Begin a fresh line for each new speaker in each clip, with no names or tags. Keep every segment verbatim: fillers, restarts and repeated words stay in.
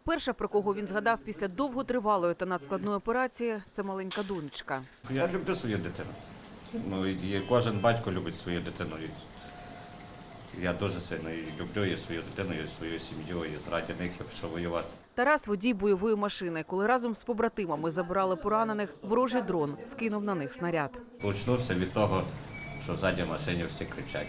Перша, про кого він згадав після довготривалої та надскладної операції, це маленька донечка.
Я люблю свою дитину. Ну, і кожен батько любить свою дитину. Я дуже сильно її люблю, і свою дитину, і свою сім'ю, і заради них я пішов воювати.
Тарас – водій бойової машини. Коли разом з побратимами забирали поранених, ворожий дрон скинув на них снаряд.
Почнувся від того, що ззаді в машині всі кричать.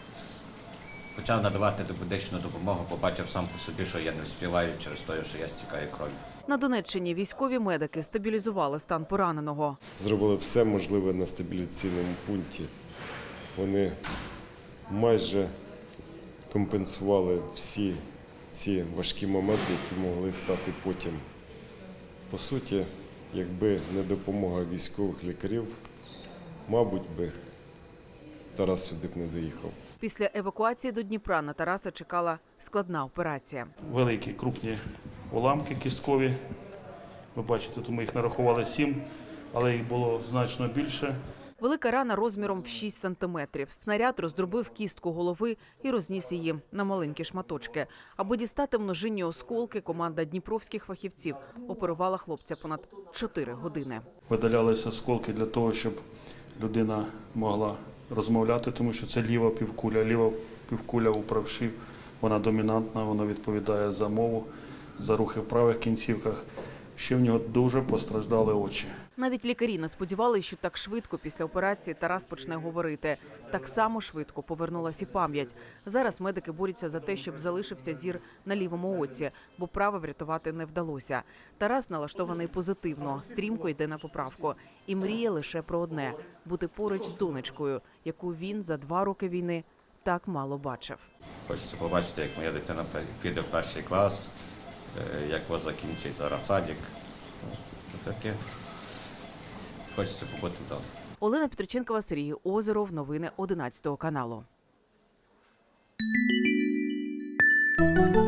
Почав надавати медичну допомогу, побачив сам по собі, що я не встигаю через те, що я стікаю кров'ю.
На Донеччині військові медики стабілізували стан пораненого.
Зробили все можливе на стабілізаційному пункті. Вони майже компенсували всі ці важкі моменти, які могли стати потім. По суті, якби не допомога військових лікарів, мабуть би Тарас сюди б не доїхав.
Після евакуації до Дніпра на Тараса чекала складна операція.
Великі, крупні уламки кісткові. Ви бачите, тут ми їх нарахували сім, але їх було значно більше.
Велика рана розміром в шість сантиметрів. Снаряд роздробив кістку голови і розніс її на маленькі шматочки. Аби дістати множинні осколки, команда дніпровських фахівців оперувала хлопця понад чотири години.
Видалялися осколки для того, щоб людина могла розмовляти, тому що це ліва півкуля. Ліва півкуля у правші, вона домінантна, вона відповідає за мову, за рухи в правих кінцівках. Ще в нього дуже постраждали очі.
Навіть лікарі не сподівалися, що так швидко після операції Тарас почне говорити. Так само швидко повернулася і пам'ять. Зараз медики борються за те, щоб залишився зір на лівому оці, бо праве врятувати не вдалося. Тарас налаштований позитивно, стрімко йде на поправку. І мріє лише про одне – бути поруч з донечкою, яку він за два роки війни так мало бачив.
Хочеться побачити, як моя дитина піде в перший клас, як вона закінчить зараз садик. Ну, таке. Хочеться побути вдома.
Олена Петриченкова, Сергій Озеров. Новини одинадцятого каналу.